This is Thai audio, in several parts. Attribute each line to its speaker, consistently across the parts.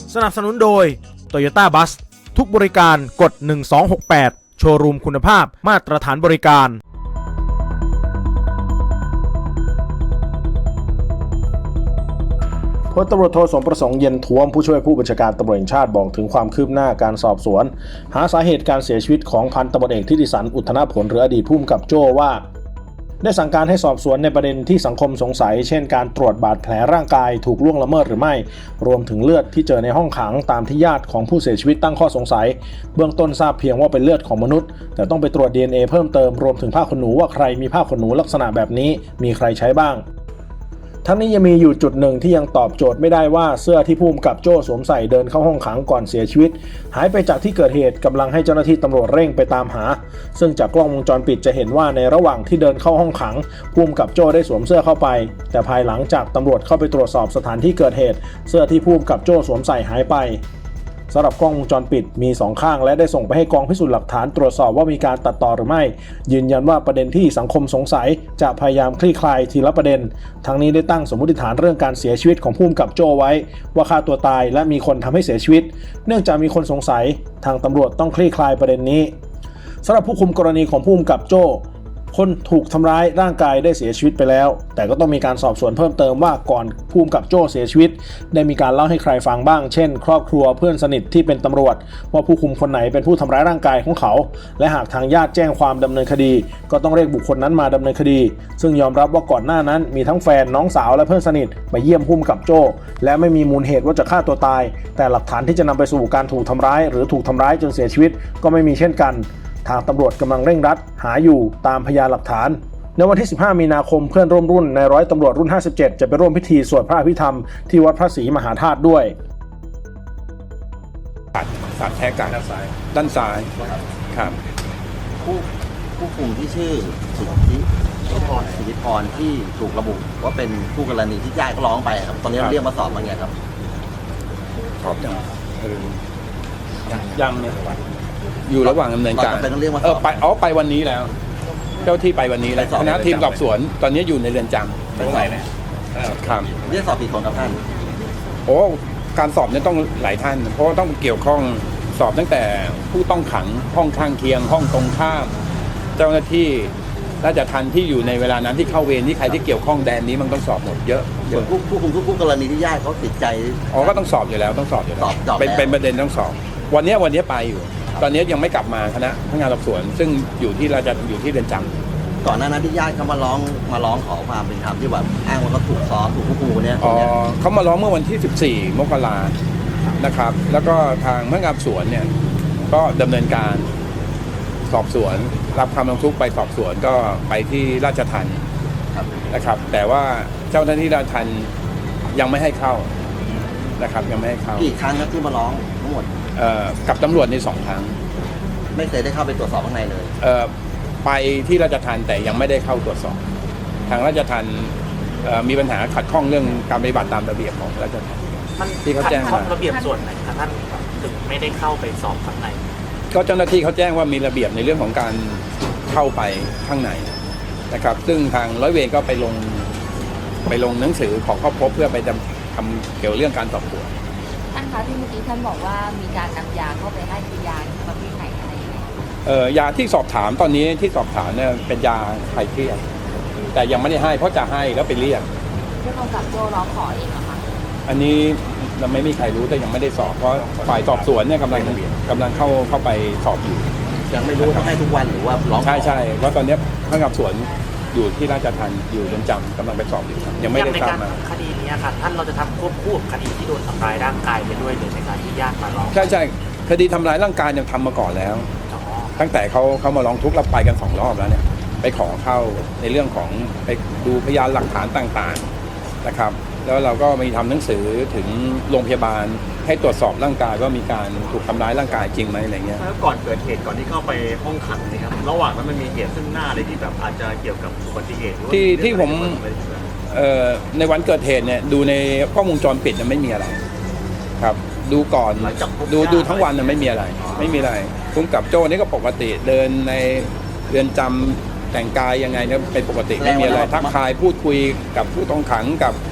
Speaker 1: สนับสนุนโดย Toyota Bus ทุกบริการกด1268โชว์รูมคุณภาพมาตรฐานบริการ
Speaker 2: พลตำรวจโทสมประสงค์เย็นท้วมผู้ช่วยผู้บัญชาการตำรวจแห่งชาติบอกถึงความคืบหน้าการสอบสวนหาสาเหตุการเสียชีวิตของพันตำรวจเอกทิติสันอุทธนผลหรืออดีตผู้กำกับโจ้ว่าได้สั่งการให้สอบสวนในประเด็นที่สังคมสงสัยเช่นการตรวจบาดแผลร่างกายถูกล่วงละเมิดหรือไม่รวมถึงเลือดที่เจอในห้องขังตามที่ญาติของผู้เสียชีวิตตั้งข้อสงสัยเบื้องต้นทราบเพียงว่าเป็นเลือดของมนุษย์แต่ต้องไปตรวจ DNA เพิ่มเติมรวมถึงผ้าขนหนูว่าใครมีผ้าขนหนูลักษณะแบบนี้มีใครใช้บ้างทั้งนี้ยังมีอยู่จุดหนึ่งที่ยังตอบโจทย์ไม่ได้ว่าเสื้อที่ผู้กำกับโจ้สวมใส่เดินเข้าห้องขังก่อนเสียชีวิตหายไปจากที่เกิดเหตุกำลังให้เจ้าหน้าที่ตำรวจเร่งไปตามหาซึ่งจากกล้องวงจรปิดจะเห็นว่าในระหว่างที่เดินเข้าห้องขังผู้กำกับโจ้ได้สวมเสื้อเข้าไปแต่ภายหลังจากตำรวจเข้าไปตรวจสอบสถานที่เกิดเหตุเสื้อที่ผู้กำกับโจ้สวมใส่หายไปสำหรับกล้องวงจรปิดมี2ข้างและได้ส่งไปให้กองพิสูจน์หลักฐานตรวจสอบว่ามีการตัดต่อหรือไม่ยืนยันว่าประเด็นที่สังคมสงสัยจะพยายามคลี่คลายทีละประเด็นทั้งนี้ได้ตั้งสมมติฐานเรื่องการเสียชีวิตของผู้กำกับโจ้ไว้ว่าฆ่าตัวตายและมีคนทำให้เสียชีวิตเนื่องจากมีคนสงสัยทางตำรวจต้องคลี่คลายประเด็นนี้สำหรับผู้คุมกรณีของผู้กำกับโจ้คนถูกทำร้ายร่างกายได้เสียชีวิตไปแล้วแต่ก็ต้องมีการสอบสวนเพิ่มเติมว่าก่อนผู้กำกับโจ้เสียชีวิตได้มีการเล่าให้ใครฟังบ้างเช่นครอบครัวเพื่อนสนิทที่เป็นตำรวจว่าผู้คุมคนไหนเป็นผู้ทำร้ายร่างกายของเขาและหากทางญาติแจ้งความดำเนินคดีก็ต้องเรียกบุคคลนั้นมาดำเนินคดีซึ่งยอมรับว่าก่อนหน้านั้นมีทั้งแฟนน้องสาวและเพื่อนสนิทไปเยี่ยมผู้กำกับโจ้และไม่มีมูลเหตุว่าจะฆ่าตัวตายแต่หลักฐานที่จะนำไปสู่การถูกทำร้ายหรือถูกทำร้ายจนเสียชีวิตก็ไม่มีเช่นกันทางตำรวจกำลังเร่งรัดหาอยู่ตามพยานหลักฐานในวันที่15มีนาคมเพื่อนร่วมรุ่นในร้อยตำรวจรุ่น57จะไปร่วมพิธีสวดพระอภิธรรมที่วัดพระศรีมหาธาตุด้วย
Speaker 3: สาดแท้กันด้านซ้ายครับ
Speaker 4: ผู้คุมที่ชื่อสิทธิพรที่ถูกระบุว่าเป็นผู้กรณีที่ญาติก็ร้องไปครับตอนนี้เรียกมาสอบมาไงครับ
Speaker 3: สอบยังเนี่ยอยู่ระหว่างดำเนินการไปวันนี้แล้วเจ้าที่ไปวันนี้แล้วคณะทีมสอบสวนตอนนี้อยู่ในเรือนจำ
Speaker 4: ตรงไหนเนี่ย
Speaker 3: ครับ
Speaker 4: เรียกสอบกี่คนครับท่าน
Speaker 3: การสอบเนี่ยต้องหลายท่านเพราะต้องเกี่ยวข้องสอบตั้งแต่ผู้ต้องขังห้องข้างเคียงห้องตรงข้ามเจ้าหน้าที่ราชทัณฑ์ที่อยู่ในเวลานั้นที่เข้าเวรที่ใครที่เกี่ยวข้องแดนนี้มันต้องสอบหมดเยอะ
Speaker 4: ส่วนผู้คุมทุกกรณีที่ญาติเขาติดใจ
Speaker 3: ก็ต้องสอบอยู่แล้วเป็นประเด็นต้องสอบวันนี้ไปอยู่ตอนนี้ยังไม่กลับมาคณะพนักงานสอบสวนซึ่งอยู่ที่อยู่ที่เรือนจ
Speaker 4: ำก่อนหน้านั้นที่ญาติเขามาร้องขอความเป็นธรรมที่แบบอ้างว่าเขาถูกซ้อมถูกผู้คุมเนี่ย
Speaker 3: เขามาร้องเมื่อวันที่14มกรานะครับแล้วก็ทางพนักงานสอบสวนเนี่ยก็ดำเนินการสอบสวนรับคำร้องทุกข์ไปสอบสวนก็ไปที่ราชทัณฑ์นะครับแต่ว่าเจ้าหน้าที่ราชทัณฑ์ยังไม่ให้เข้านะครับยังไม่ให้เข้า
Speaker 4: กี่ครั้งครับที่มาร้องทั้งหมด
Speaker 3: กับตำรวจใน2 ครั้ง
Speaker 4: ไม่เคยได้เข้าไปตรวจสอบข้างในเลย
Speaker 3: ไปที่ราชทัณฑ์แต่ยังไม่ได้เข้าตรวจสอบทางราชทัณฑ์มีปัญหาขัดข้องเรื่องการปฏิบัติตามระเบียบของราชทัณฑ์
Speaker 5: ที่เขาแจ้งมาระเบียบส่วนไหนครับท่านถึงไม่ได้เข้าไปสอบข้างใน
Speaker 3: ก็เจ้าหน้าที่เขาแจ้งว่ามีระเบียบในเรื่องของการเข้าไปข้างในนะครับซึ่งทางร้อยเวรก็ไปลงหนังสือขอเข้าพบเพื่อไปทำเกี่ยวเรื่องการสอบสวน
Speaker 6: ท่านคะที่เมื่อกี้ท่านบอกว่ามีการนำยาเข้าไปให้คือยาประเภทไหนอะไรยังไง
Speaker 3: ยาที่สอบถามตอนนี้ที่สอบถามเนี่ยเป็นยาคลายเครียดแต่ยังไม่ได้ให้เพราะจะให้แล้วไปเรียก
Speaker 6: ผู้กำกับโจ้ร้องขอเองเหรอคะ
Speaker 3: อันนี้เราไม่มีใครรู้แต่ยังไม่ได้สอบเพราะฝ่ายสอบสวนเนี่ยกำลังเข้าไปสอบอยู่
Speaker 4: ยังไม่รู้ต้องให้ทุกวันหรือว่าร้อง
Speaker 3: ใช่เพราะตอนนี้พนักงานสอบสวนอยู่ที่ราชทัณฑ์อยู่เรือนจำกำลังไปสอบอยู่ยังไม่ได้ทราบมา
Speaker 5: คดีนี้ค่ะท่านเราจะทำควบคู่กับคดีที่โดนทำร้ายร่างกายไปด้วยหรือในการที่ญาติมาร้อง
Speaker 3: ใช่คดีทำร้ายร่างกายยังทำมาก่อนแล้วตั้งแต่เขามาร้องทุกข์เราไปกัน2 รอบแล้วเนี่ยไปขอเข้าในเรื่องของไปดูพยานหลักฐานต่างๆนะครับแล้วเราก็มีทำหนังสือถึงโรงพยาบาลให้ตรวจสอบร่างกายว่ามีการถูกทำร้ายร่างกายจริงไหมอะไรเงี้ย
Speaker 5: แล้วก่อนเกิดเหตุก่อนที่เข้าไปห้องขังนี่ครับระหว่างนั้นมันมีเหตุซึ่งหน้าอะไรที่แบบอาจจะเกี่ยวกับอุบัติเหตุ
Speaker 3: ที่ผมในวันเกิดเหตุเนี่ยดูในกล้องวงจรปิดไม่มีอะไรครับดูก่อนดูทั้งวันไม่มีอะไรผู้กำกับโจ้นี่ก็ปกติเดินในเรือนจำแต่งกายยังไงเนี่ยเป็นปกติไม่มีอะไรทักทายพูดคุยกับผู้ต้องขังกับ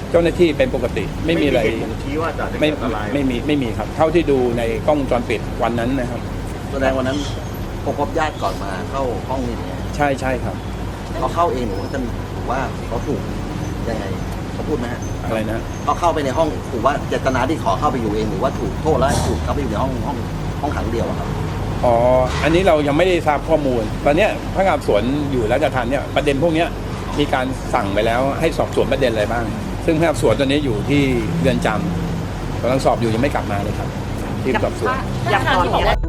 Speaker 3: เจ้าหน้าที่เป็นปกติไม่มีอะไร
Speaker 5: เหตุบ่งชี้ว่าจะ
Speaker 3: ไม่
Speaker 5: เกิดอันตราย
Speaker 3: ไม่มีครับเท่าที่ดูในกล้องวงจรปิดวันนั้นนะครับ
Speaker 4: แสดงวันนั้นพบญาติก่อนมาเข้าห้องนี่เนี่ย
Speaker 3: ใช่ครับ
Speaker 4: เขาเข้าเองหรือว่าจะถือว่าเขาถูกยังไงเขาพูดไหมฮะ
Speaker 3: อะไรนะ
Speaker 4: เขาเข้าไปในห้องถือว่าเจตนาที่ขอเข้าไปอยู่เองหรือว่าถูกโทษแล้วถูกเข้าไปอยู่ในห้องขังเดียวอะครับ
Speaker 3: อ๋ออันนี้เรายังไม่ได้ทราบข้อมูลตอนเนี้ยพนักงานสอบสวนอยู่ราชทัณฑ์เนี่ยประเด็นพวกเนี้ยมีการสั่งไปแล้วให้สอบสวนประเด็นอะไรบ้าง ซึ่งพนักงานสอบสวนตอนนี้อยู่ที่เรือนจำกำลังสอบอยู่ยังไม่กลับมาเลยครับทีมสอบสวน
Speaker 6: อย่างตอนนี้